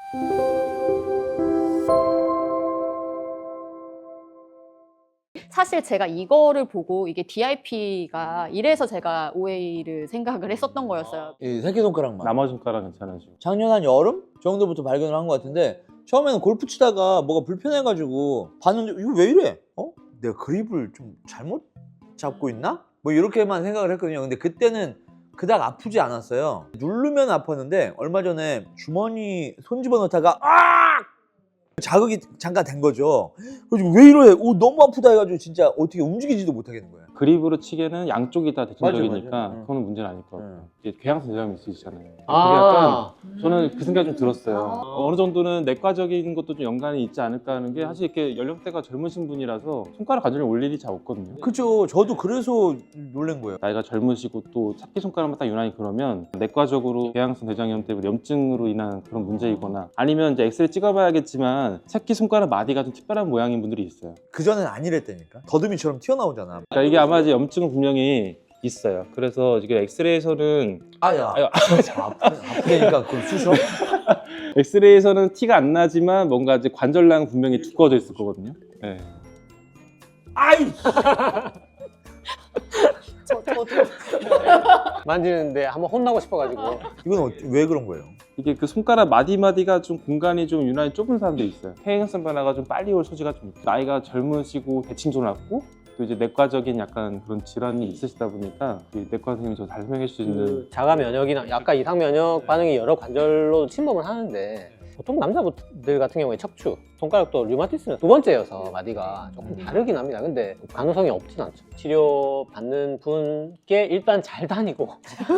사실 제가 이거를 보고 이게 DIP가 이래서 제가 OA를 생각을 했었던 거였어요. 이 새끼손가락만. 나머지 손가락 괜찮아지고. 작년 한 여름 정도부터 발견을 한 것 같은데 처음에는 골프 치다가 뭐가 불편해가지고 봤는데 이거 왜 이래? 내가 그립을 좀 잘못 잡고 있나? 뭐 이렇게만 생각을 했거든요. 근데 그때는 그닥 아프지 않았어요. 누르면 아팠는데 얼마 전에 주머니 손 집어넣다가 자극이 잠깐 된 거죠. 그래서 왜 이래? 너무 아프다 해가지고 진짜 어떻게 움직이지도 못하겠는 거예요. 그립으로 치기에는 양쪽이 다 대칭적이니까 맞아. 그거는 문제는 아닐 것 같아요. 이게 궤양성 대장염이 있으시잖아요. 그게 아. 약간 저는 그 생각이 좀 들었어요. 어느 정도는 내과적인 것도 좀 연관이 있지 않을까 하는 게 사실 이렇게 연령대가 젊으신 분이라서 손가락 관절염 올 일이 잘 없거든요. 그죠. 저도 그래서 놀란 거예요. 나이가 젊으시고 또 새끼손가락만 딱 유난히 그러면 내과적으로 궤양성 대장염 때문에 염증으로 인한 그런 문제이거나 아니면 이제 엑스레이 찍어봐야겠지만 새끼손가락 마디가 좀 특별한 모양인 분들이 있어요. 그전엔 아니랬다니까. 더듬이처럼 튀어나오잖아. 그러니까 이게 아마 이제 염증은 분명히 있어요. 그래서 이게 엑스레이에서는 아야. 아프니까 그걸 쑤셔? 엑스레이에서는 티가 안 나지만 뭔가 이제 관절낭 분명히 두꺼워져 있을 거거든요. 네. 아이! 저도 만지는데 한번 혼나고 싶어가지고. 이건 왜 그런 거예요? 이게 그 손가락 마디마디가 좀 공간이 좀 유난히 좁은 사람들이 있어요. 퇴행성 변화가 좀 빨리 올 소지가 좀 있어요. 나이가 젊으시고 대칭도 낮고 또 이제 내과적인 약간 그런 질환이 있으시다 보니까 이 내과 선생님이 저 잘 설명해 줄 수 있는 그 자가 면역이나 약간 이상 면역 반응이 여러 관절로 침범을 하는데 보통 남자들 같은 경우에 척추, 손가락도 류마티스는 두 번째여서 마디가 조금 다르긴 합니다. 근데 가능성이 없진 않죠. 치료받는 분께 일단 잘 다니고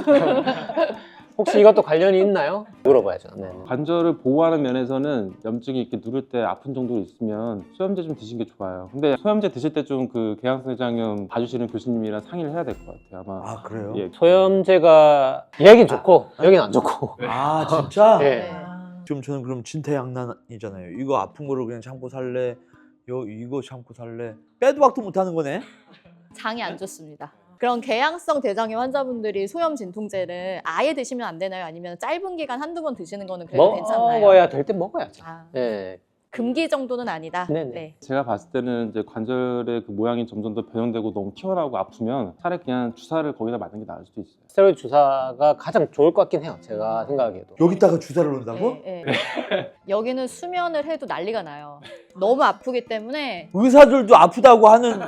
혹시 이것도 관련이 있나요? 물어봐야죠. 네. 관절을 보호하는 면에서는 염증이 이렇게 누를 때 아픈 정도로 있으면 소염제 좀 드시는 게 좋아요. 근데 소염제 드실 때 좀 그 궤양성 대장염 봐주시는 교수님이랑 상의를 해야 될 것 같아요. 아마. 아, 그래요? 예. 소염제가 여긴 좋고 여긴 안 좋고. 아, 진짜? 네. 좀 저는 그럼 진퇴양난이잖아요. 이거 아픈 거를 그냥 참고 살래? 이거 참고 살래? 빼도 박도 못 하는 거네? 장이 안 좋습니다. 그런 궤양성 대장염 환자분들이 소염 진통제를 아예 드시면 안 되나요? 아니면 짧은 기간 한두 번 드시는 거는 그래도 괜찮나요? 먹어야 될 때 먹어야죠. 아, 네. 금기 정도는 아니다. 네네. 네. 제가 봤을 때는 이제 관절의 그 모양이 점점 더 변형되고 너무 튀어나오고 아프면 차라리 그냥 주사를 거기다 맞는 게 나을 수도 있어요. 스테로이드 주사가 가장 좋을 것 같긴 해요. 제가 생각하기에도. 여기다가 주사를 놓는다고? 네, 네. 여기는 수면을 해도 난리가 나요. 너무 아프기 때문에 의사들도 아프다고 하는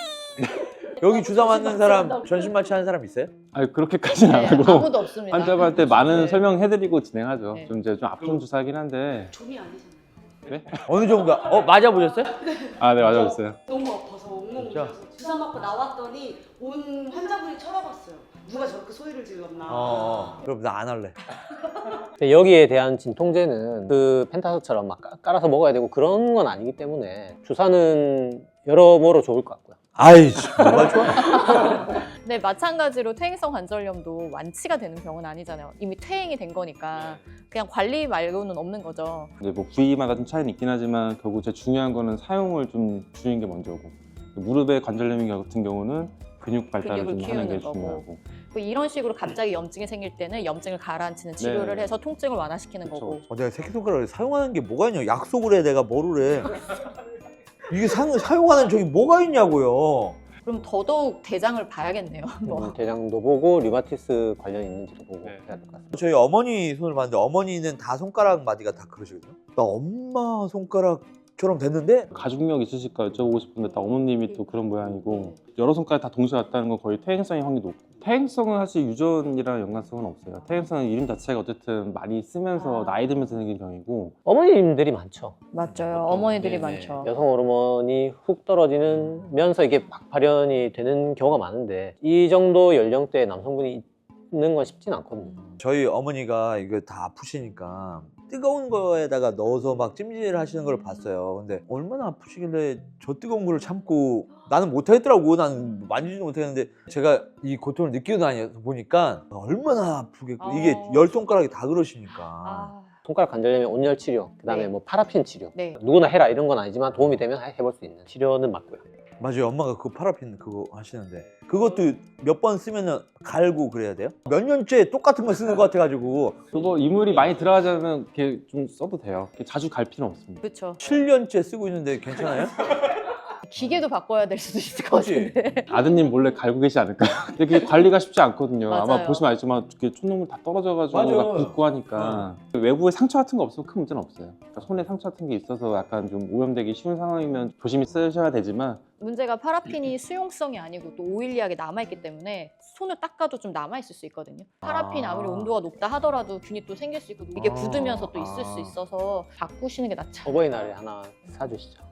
여기 주사 맞는 사람, 전신 마취 하는 사람 있어요? 아니 그렇게까지는 안 네, 하고 아무도 없습니다. 환자분한테 많은 네. 설명해드리고 진행하죠. 네. 좀 이제 좀 아픈 주사긴 한데. 좀이 아니잖아요. 네? 어느 정도? 맞아보셨어요? 아, 네, 맞아봤어요. 너무 아파서 엉엉 진짜? 울면서 주사 맞고 나왔더니 온 환자분이 쳐다봤어요. 누가 저렇게 소리를 질렀나. 그럼 나 안 할래. 근데 여기에 대한 진통제는 그 펜타스처럼 막 깔아서 먹어야 되고 그런 건 아니기 때문에 주사는 여러모로 좋을 것 같고요. 아이, 뭐가 좋아? 네, 마찬가지로 퇴행성 관절염도 완치가 되는 병은 아니잖아요. 이미 퇴행이 된 거니까 그냥 관리 말고는 없는 거죠. 이제 뭐 부위마다 좀 차이는 있긴 하지만 결국 제일 중요한 거는 사용을 좀 줄이는 게 먼저고 무릎의 관절염 같은 경우는 근육 발달을 좀 근육을 하는 게 키우는 거고. 중요하고. 이런 식으로 갑자기 염증이 생길 때는 염증을 가라앉히는 치료를 네. 해서 통증을 완화시키는 그쵸. 거고. 내가 새끼손가락을 사용하는 게 뭐가 있냐? 약속을 해, 내가 뭐를 해. 이게 사용하는 저기 뭐가 있냐고요. 그럼 더더욱 대장을 봐야겠네요. 뭐. 대장도 보고 류마티스 관련 있는지도 보고 네. 해야 될 것 같습니다. 저희 어머니 손을 봤는데 어머니는 다 손가락 마디가 다 그러시거든요. 나 엄마 손가락처럼 됐는데 가족력 있으실까 여쭤보고 싶은데 딱 어머님이 또 그런 모양이고 여러 손가락 다 동시에 왔다는 건 거의 퇴행성의 확률이 높고 퇴행성은 사실 유전이랑 연관성은 없어요. 퇴행성은 이름 자체가 어쨌든 많이 쓰면서 나이 들면서 생긴 병이고 어머님들이 많죠. 맞죠. 어머니들이 네네. 많죠. 여성 호르몬이 훅 떨어지면서 이게 막 발현이 되는 경우가 많은데 이 정도 연령대의 남성분이 있는 건 쉽진 않거든요. 저희 어머니가 이거 다 아프시니까 뜨거운 거에다가 넣어서 막 찜질 하시는 걸 봤어요. 근데 얼마나 아프시길래 저 뜨거운 거를 참고 나는 못하겠더라고. 나는 만지지도 못하겠는데 제가 이 고통을 느끼고 다녀서 보니까 얼마나 아프겠고 이게 열 손가락이 다 그러시니까. 아, 손가락 관절염의 온열 치료, 그다음에 네. 뭐 파라핀 치료. 네. 누구나 해라 이런 건 아니지만 도움이 되면 해볼 수 있는 치료는 맞고요. 맞아요. 엄마가 그거 파라핀 그거 하시는데 그것도 몇 번 쓰면은 갈고 그래야 돼요? 몇 년째 똑같은 거 쓰는 것 같아가지고 그거 이물이 많이 들어가자면 이렇게 좀 써도 돼요. 이렇게 자주 갈 필요는 없습니다. 그렇죠. 7년째 쓰고 있는데 괜찮아요? 기계도 바꿔야 될 수도 있을 것 그치? 같은데. 아드님 몰래 갈고 계시지 않을까요? 근데 그게 관리가 쉽지 않거든요. 아마 맞아요. 보시면 알지만 이렇게 촛농물 다 떨어져가지고 맞아요. 막 붓고 하니까 외부에 상처 같은 거 없으면 큰 문제는 없어요. 그러니까 손에 상처 같은 게 있어서 약간 좀 오염되기 쉬운 상황이면 조심히 쓰셔야 되지만 문제가 파라핀이 수용성이 아니고 또 오일리하게 남아있기 때문에 손을 닦아도 좀 남아있을 수 있거든요. 파라핀 아무리 온도가 높다 하더라도 균이 또 생길 수 있고 이게 굳으면서 또 있을 수 있어서 바꾸시는 게 낫죠. 어버이날에 하나 사주시죠.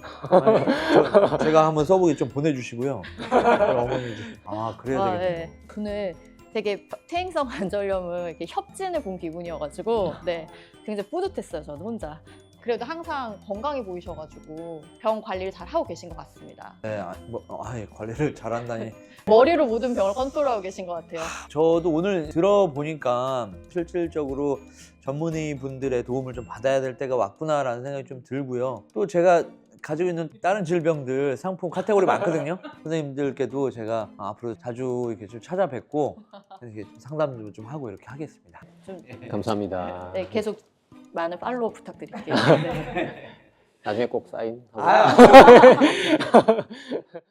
제가 한번 써보게 좀 보내주시고요. 어머니 그래야 되겠네. 네. 저는 되게 퇴행성 관절염을 이렇게 협진을 본 기분이어가지고 네, 굉장히 뿌듯했어요. 저는 혼자. 그래도 항상 건강해 보이셔가지고 병 관리를 잘 하고 계신 것 같습니다. 네, 관리를 잘한다니. 머리로 모든 병을 컨트롤하고 계신 것 같아요. 저도 오늘 들어보니까 실질적으로 전문의 분들의 도움을 좀 받아야 될 때가 왔구나라는 생각이 좀 들고요. 또 제가 가지고 있는 다른 질병들 상품 카테고리 많거든요. 선생님들께도 제가 앞으로 자주 이렇게 좀 찾아뵙고 이렇게 상담도 좀 하고 이렇게 하겠습니다. 좀 감사합니다. 네, 계속 많은 팔로우 부탁드릴게요. 네. 나중에 꼭 사인. 아,